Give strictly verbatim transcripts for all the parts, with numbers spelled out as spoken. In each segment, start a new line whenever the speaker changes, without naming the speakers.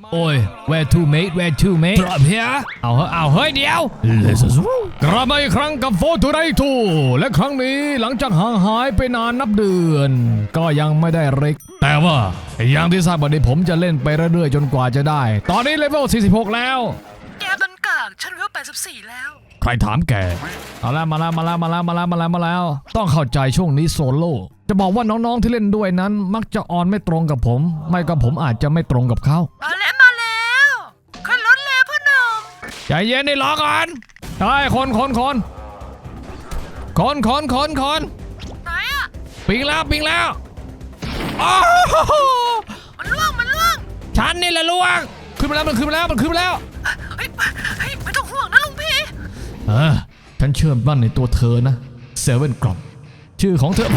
โอ้ย where to mate where to mate drop here เอาเฮ้ยเอาเฮ้ยเดี๋ยวกลับมาอีกครั้งกับโฟทูไรทูและครั้งนี้หลังจากห่างหายไปนานนับเดือนก็ยังไม่ได้เร็กแต่ว่าอย่างที่ทราบวันนี้ผมจะเล่นไปเรื่อยๆจนกว่าจะได้ตอนนี้เลเวลสี่สิบหกแล้ว
แกต้นกากฉันเลเวลแปดสิบสี่แล้ว
ใครถามแกเอาละมาแล้วมาแล้วมาแล้วมาแล้วมาแล้วมาแล้วต้องเข้าใจช่วงนี้โซโล่จะบอกว่าน้องๆที่เล่นด้วยนั้นมักจะออนไม่ตรงกับผมไม่ก็ผมอาจจะไม่ตรงกับเขา
มาแล้วมาแล้วขึ้นรถแล้วพ่อหนุ่ม
ใจเย็นนี่รอก่อนใช่คนคนคนคนคนคนคน
ไหนอะ
ปิงแล้วปิงแล้วโอ้
มันล่วงมันล่วง
ฉันนี่แหละล่วงขึ้นมาแล้วมันขึ้นมาแล้วมันขึ้นมาแล้ว
เฮ้ยเฮ้ยไม่ต้องห่วงนะลุงพี่
เออฉันเชื่อมั่นในตัวเธอนะเซเว่นกรอบชื่อของเธอ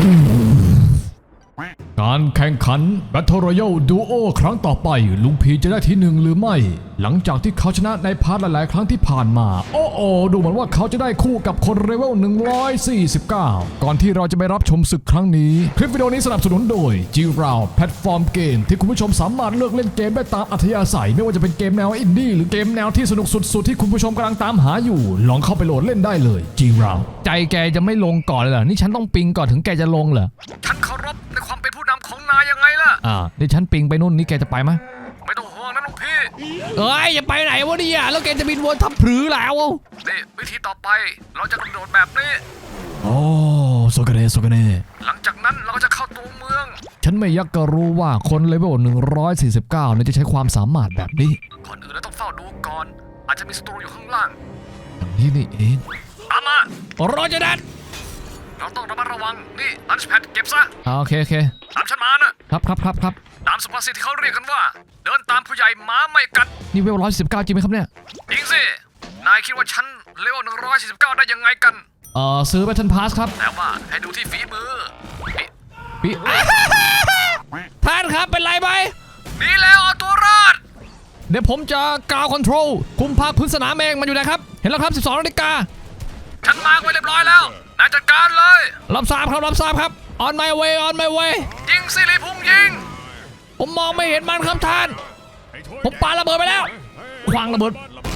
การแข่งขัน Battle Royale Duo ครั้งต่อไปลุงพีจะได้ที่หนึ่งหรือไม่หลังจากที่เขาชนะในพาร์ทหลายๆครั้งที่ผ่านมาโอ้โอดูเหมือนว่าเขาจะได้คู่กับคนเลเวลหนึ่งร้อยสี่สิบเก้าก่อนที่เราจะไปรับชมศึกครั้งนี้คลิปวิดีโอนี้สนับสนุนโดย จี ราว แพลตฟอร์มเกมที่คุณผู้ชมสามารถเลือกเล่นเกมได้ตามอัธยาศัยไม่ว่าจะเป็นเกมแนวอินดี้หรือเกมแนวที่สนุกสุดๆที่คุณผู้ชมกำลังตามหาอยู่ลองเข้าไปโหลดเล่นได้เลย จี ราว ใจแกจะไม่ลงก่อนเลยเหรอนี่ฉันต้องปิงก่อนถึงแกจะลงเหรอ
ฉันเคารพในความเป็นผู้นำของนายยังไงล่ะ
อ่านี่ฉันปิงไปนู่นนี่แกจะไปไหม
ไม่ต้องห่วงนะลุงพี่
เอ้ยอย่าไปไหนวะเนี่ยแล้วแกจะบินวนทับผือแล้ว
นี่วิธีต่อไปเราจะกระโดดแบบนี้
โอ้โซกาเนโซกาเน
หลังจากนั้นเราก็จะเข้าตัวเมือง
ฉันไม่ยักก็รู้ว่าคนเลเวลหนึ่งร้อยสี่สิบเก้าเนี่ยจะใช้ความสามารถแบบนี้
ก่อนอื่นเราต้องเฝ้าดูก่อนอาจจะมีศัตรูอยู่ข้างล่าง
อย่างนี้นี่เอง
ตามม
ารอจะดัน
เราต้องระมัดระวังนี่ลันช์แพดเก็บซะ
โอเคโอเค
ตามฉันมานะครับ
ครับครับครับ
ตามสุภาษิตที่เขาเรียกกันว่าเดินตามผู้ใหญ่ม้าไม่กัด
นี่เวลร้อยสิบเก้าจริงไหมครับเนี่ย
จริงสินายคิดว่าฉันเลเวลหนึ่งร้อยสี่สิบเก้าได้ยังไงกัน
เอ่อซื้อ Battle Pass ครับ
แต่ว่าให้ดูที่ฝีมือ
ปีท่านครับเป็นไรไหม
นี่แล้วเอาตัวรอด
เดี๋ยวผมจะกาวคอนโทรลคุมภาคพื้นสนามเองมันอยู่ไหนครับเห็นแล้วครับสิบสองนาฬิกา
ฉันมาร์กไว้เรียบร้อยแล้วนายจัดการเลย
รับทราบครับรับทราบครับ on my way on my way
ยิงสิริพุ่งยิง
ผมมองไม่เห็นมันครับท่านผมปาระเบิดไปแล้วคว้างระเบิด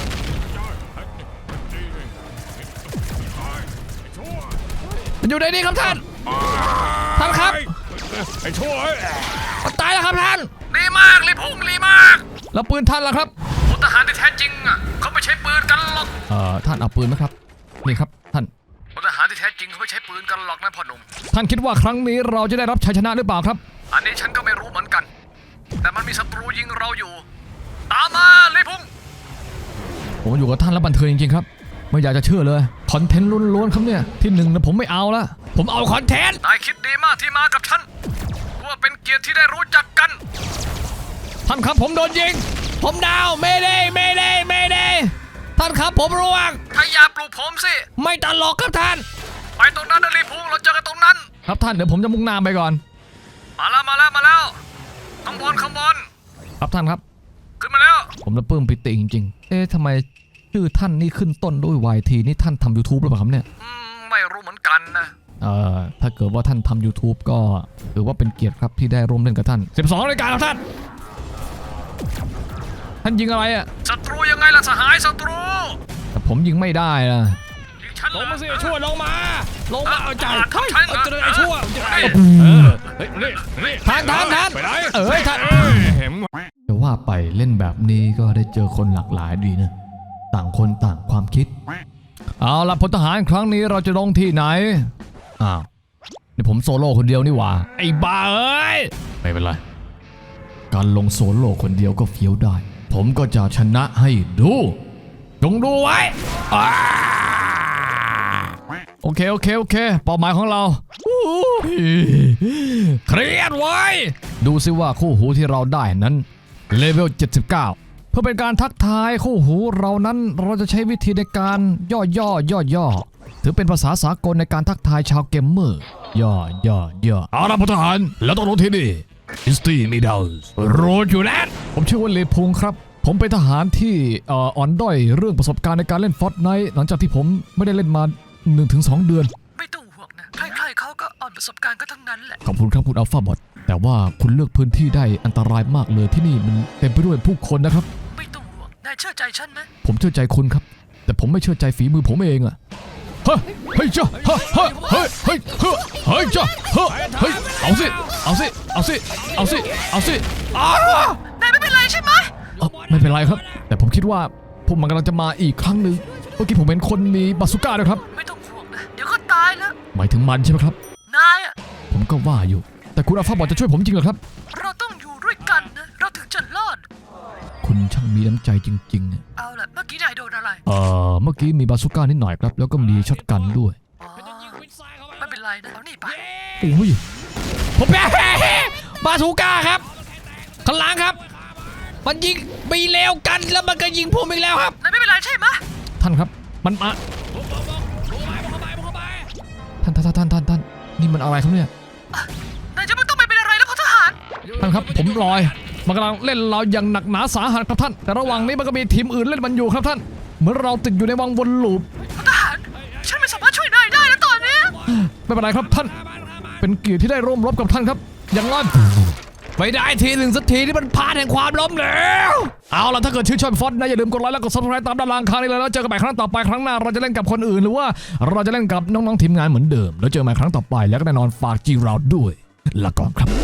มันอยู่ในนี้ครับท่านท่านครับ
ไอ้ชั่ว
มันตายแล้วครับท่าน
ดีมากริพุ่งดีมาก
แล้วปืนท่านล่ะครับ
พลทหารที่แท้จริงอ่ะเขาไม่ใช้ปืนกันหรอก
เอ่อท่านเอาปืนไหมครับนี่ครับท่าน
พลทหารที่แท้จริงเขาไม่ใช้ปืนกันหรอกนะพ่อหนุ่ม
ท่านคิดว่าครั้งนี้เราจะได้รับชัยชนะหรือเปล่าครับ
อันนี้ฉันก็ไม่รู้เหมือนกันแต่มันมีศัตรูยิงเราอยู่ตามมาริพุ่ง
ผมอยู่กับท่านแล้วบันเทิงจริงๆครับไม่อยากจะเชื่อเลยคอนเทนต์ล้วนๆครับเนี่ยที่หนึ่งนะผมไม่เอาละผมเอาคอนเทนต์
นายคิดดีมากที่มากับฉันว่าเป็นเกียรติที่ได้รู้จักกัน
ท่านครับผมโดนยิงผมดาวไม่ได้ไม่ได้ไม่ได้ท่านครับผมร่วง
ถ้าอย่าปลุกผมสิ
ไม่ตลกครับท่าน
ไปตรงนั้นนะริพุ่งเราเจอกันตรงนั้น
ครับท่านเดี๋ยวผมจะมุ่งหน้าไปก่อน
มาแล้วมาแล้วมาแล้วข้างบนข้างบน
ครับท่านครับ
ขึ้นมาแล้ว
ผมละปลื้มปิติจริงๆเอ๊ะทำไมชื่อท่านนี่ขึ้นต้นด้วย วาย ที นี่ท่านทำ YouTube หรือเปล่าครับเนี่ย
อืมไม่รู้เหมือนกันนะ
เอ่อถ้าเกิดว่าท่านทำ YouTube ก็ถือว่าเป็นเกียรติครับที่ได้ร่วมเล่นกับท่านสิบสองรายการครับท่านท่านยิงอะไรอ่ะ
ศัตรูยังไงล่ะสหายศัตรู
แต่ผมยิงไม่ได้นะ
ลงมาสิช่วยลงมา
ลงมาเอาใจ
เฮ้ยเอาเจอไอ้ชั่ว
ท่านท่านท่านเอ้ยท่านจะว่าไปเล่นแบบนี้ก็ได้เจอคนหลากหลายดีนะต่างคนต่างความคิดเอาล่ะพลทหารครั้งนี้เราจะลงที่ไหนอ้าวนี่ผมโซโล่คนเดียวนี่หว่าไอ้บ้าเอ้ยไม่เป็นไรการลงโซโล่คนเดียวก็เฟี้ยวได้ผมก็จะชนะให้ดูจงดูไว้โอเคโอเคโอเคเป้าหมายของเราเครียดไว้ดูซิว่าคู่หูที่เราได้นั้นเลเวลเจ็ดสิบเก้าเพื่อเป็นการทักทายคู่หูเรานั้นเราจะใช้วิธีในการย่อย่อย่อย่อถือเป็นภาษาสากลในการทักทายชาวเกมเมอร์ย่อย่อย่อเอาล่ะพลทหารแล้วต้องลงที่นี่อินสตีมีดาวส์โรดอยู่แล้วผมชื่อว่าเลพุงครับผมเป็นทหารที่อ่อนด้อยเรื่องประสบการณ์ในการเล่นฟอร์ตไนท์หลังจากที่ผมไม่ได้เล่นมา หนึ่งถึงสอง เดือน
ไม่ต้องห่วงนะใครๆเขาก็อ่อนประสบการณ์ก็ทั้งนั้นแหละ
ขอบคุณครับคุณอัลฟาบอทแต่ว่าคุณเลือกพื้นที่ได้อันตรายมากเลยที่นี่มันเต็มไปด้วยผู้คนนะครับ
ไม่ต้องห่วงนายเชื่อใจฉันไหม
ผมเชื่อใจคุณครับ แต่ผมไม่เชื่อใจฝีมือผมเองอะเฮ้ยเฮ้ยจ้าเฮ้ยเฮ้ยเฮ้ยเฮ้ยเฮ้ยเฮ้ยจ้าเฮ้ยเฮ้ยเอาสิเอาสิเอาสิเอาสิเอาสิอ้าวน
ายไม่เป็นไรใช่ไหม
เอ้าไม่เป็นไรครับ แต่ผมคิดว่าพวกมันกำลังจะมาอีกครั้งหนึ่งเมื่อกี้ผมเห็นคนมีบาซูก้าด้วยครับ
ไม่ต้องห่วงนะเดี๋ยวก็ตายแล้ว
หมายถึงมันใช่ไหมครับ
นายอะ
ผมก็ว่าอยู่ แต่คุณอัลฟาบอกจะช่วยผมจริงเหรอครับ
เราต้องอยู่ด้วยกันนะเราถึงจะรอด
คุณช่างมีน้ำใจจริงๆอะ
เอาล่ะเมื่อกี้นายโดนอะไร
เอ่อเมื่อกี้มีบาซูก้านิดหน่อยครับ แล้วก็มีช็อตกันด้วย
อ๋อ
ยิงวินไซด์เข้าไป
ไม่เป็นไรนะเอานี่ไป
โอ้ย
ผมแพ้บาซูก้าครับข้างหลังครับ มันยิงมีเลวกันแล้วมันก็ยิงผมอีกแล้วครับ
นายไม่เป็นไรใช่ไหม
ท่านครับ มันมา ท่านท่านท่านท่านท่านท่านนี่มันอะไรครับเนี่ย
นายจะไม่ต้องไปเป็นอะไรนะพลทหาร
ท่านครับผมลอย มันกำลังเล่นเราอย่างหนักหนาสาหัสครับท่าน แต่ระหว่างนี้มันก็มีทีมอื่นเล่นมันอยู่ครับท่าน เหมือนเราติดอยู่ในวังวนลูป
พลทหารฉันไม่สามารถช่วยนายได้แล้วตอนนี้
ไม่เป็นไรครับท่าน เป็นเกียรติที่ได้ร่วมรบกับท่านครับ อย่างนั้น
ไม่ได้ทีหนึ่งสักทีที่มันพาแห่งความล้มเหลว
เอาล่ะถ้าเกิดชื่นชอบฟอนต์นะอย่าลืมกดไลค์และกด ซับสไครบ์ ตามด้านล่างข้างนี้เลยแล้วเจอกันใหม่ครั้งต่อไปครั้งหน้าเราจะเล่นกับคนอื่นหรือว่าเราจะเล่นกับน้องๆทีมงานเหมือนเดิมแล้วเจอกันใหม่ครั้งต่อไปแล้วก็แน่นอนฝากจีเราด้วยลาก่อนครับ